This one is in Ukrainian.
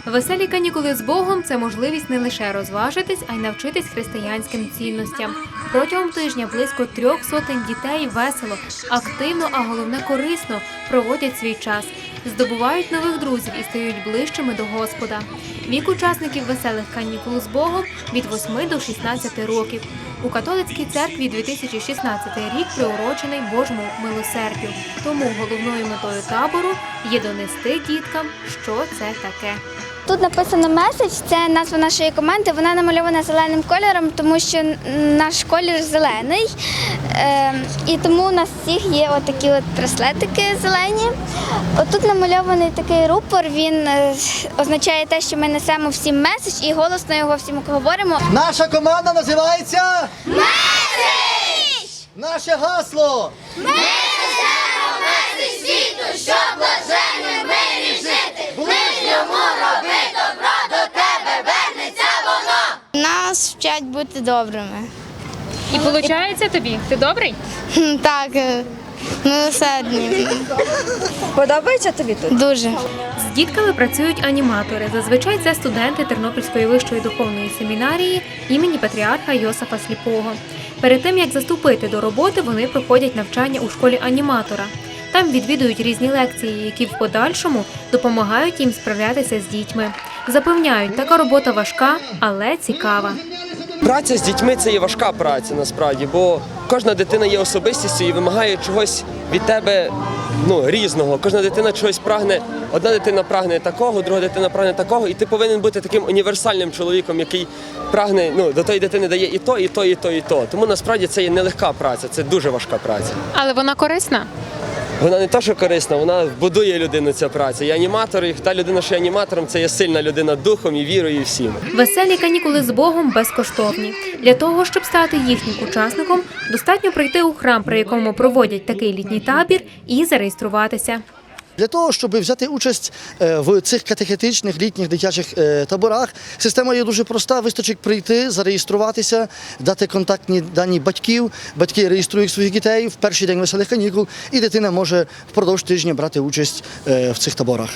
Веселі канікули з Богом – це можливість не лише розважитись, а й навчитись християнським цінностям. Протягом тижня близько 300 дітей весело, активно, а головне корисно проводять свій час, здобувають нових друзів і стають ближчими до Господа. Вік учасників веселих канікул з Богом – від 8 до 16 років. У католицькій церкві 2016 рік приурочений Божому милосердю. Тому головною метою табору є донести діткам, що це таке. Тут написано «Меседж», це назва нашої команди, вона намальована зеленим кольором, тому що наш колір зелений. І тому у нас всіх є отакі браслетики зелені. Отут намальований такий рупор, він означає те, що ми несемо всім меседж і голосно його всім говоримо. Наша команда називається Меседж! Наше гасло. Ми несемо меседж світу, щоб блаженним мирі жити. Ближньому роби добро, до тебе вернеться воно. Нас вчать бути добрими. І виходить тобі? Ти добрий? Так, милосердні. Подобається тобі тут? Дуже. З дітками працюють аніматори. Зазвичай це студенти Тернопільської вищої духовної семінарії імені Патріарха Йосифа Сліпого. Перед тим, як заступити до роботи, вони проходять навчання у школі аніматора. Там відвідують різні лекції, які в подальшому допомагають їм справлятися з дітьми. Запевняють, така робота важка, але цікава. Праця з дітьми – це є важка праця насправді, бо кожна дитина є особистістю і вимагає чогось від тебе різного. Кожна дитина чогось прагне. Одна дитина прагне такого, друга дитина прагне такого, і ти повинен бути таким універсальним чоловіком, який прагне, до тої дитини дає і то, і то, і то, і то. Тому насправді це є нелегка праця, це дуже важка праця. Але вона корисна? Вона не те, що корисна, вона будує людину, ця праця. І аніматор, і та людина, що є аніматором, це є сильна людина духом і вірою, і всім. Веселі канікули з Богом безкоштовні. Для того, щоб стати їхнім учасником, достатньо прийти у храм, при якому проводять такий літній табір, і зареєструватися. Для того, щоб взяти участь в цих катехетичних літніх дитячих таборах, система є дуже проста. Вистачить прийти, зареєструватися, дати контактні дані батьків. Батьки реєструють своїх дітей в перший день веселих канікул, і дитина може впродовж тижня брати участь в цих таборах.